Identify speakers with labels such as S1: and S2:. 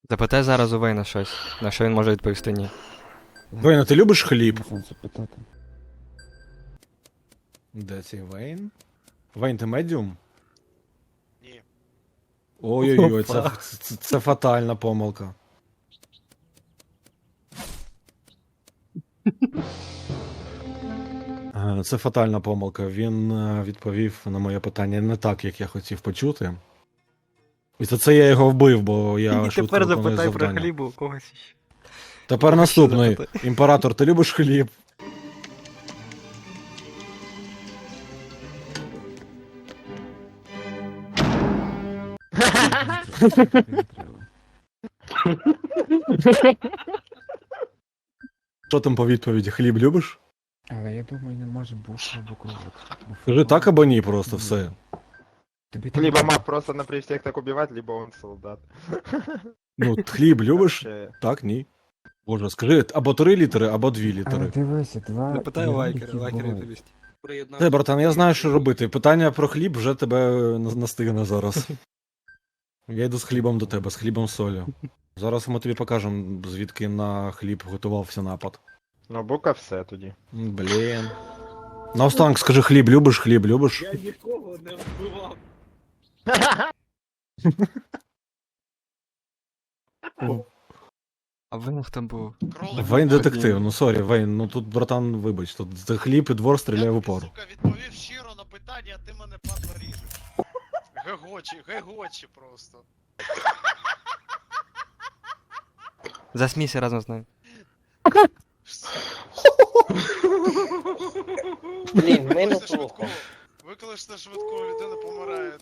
S1: Запитай зараз у Вейна щось, на що він може відповісти ні.
S2: Вейн, а ти любиш хліб?
S3: Можна запитати.
S2: Де цей Вейн? Вейн, ти медіум?
S4: Ні.
S2: Ой-ой-ой, це фатальна помилка. Це фатальна помилка. Він відповів на моє питання не так, як я хотів почути. І за це я його вбив, бо я швидко
S1: Тепер
S2: виконую
S1: запитай про
S2: завдання.
S1: хліб у когось ще.
S2: Тепер наступний. Імператор, ти любиш хліб?
S3: Не треба.
S2: Що там по відповіді? Хліб любиш?
S3: Але я думаю, не може бути або кружок.
S2: Скажи так або ні, просто все.
S3: Тобі там
S5: Либо маг просто на при всех так убивать, либо он солдат.
S2: Ну, хліб любиш?
S5: Вообще.
S2: Так, ні. Боже, скажи або 3 літери, або 2
S3: Але
S2: літери.
S3: дивися, два.
S1: Запитай у
S3: два,
S1: Лайкера,
S3: які
S1: Лайкер
S3: бувають.
S1: відповість.
S2: Те, братан, я знаю, що робити. Питання про хліб вже тебе настигне зараз. Я йду з хлібом до тебе, з хлібом солі. Зараз ми тобі покажемо, звідки на хліб готувався напад.
S5: Ну, бука все тоді.
S2: Блін. Наостанок скажи, хліб любиш, хліб любиш?
S4: Я нікого не вбивав.
S1: А Вейн хто був?
S4: Кролик.
S2: Вейн детектив, ну сорі, Вейн, ну тут, братан, вибач, тут за хліб і двор стріляє в упор.
S4: Сука, відповів щиро на питання, а ти мене падла ріжеш. Гегочі просто.
S1: Засмійся разом з ним.
S6: Блін, ми не
S4: Викличте
S6: плохо.
S4: швидку. Викличте швидку, людина помирає.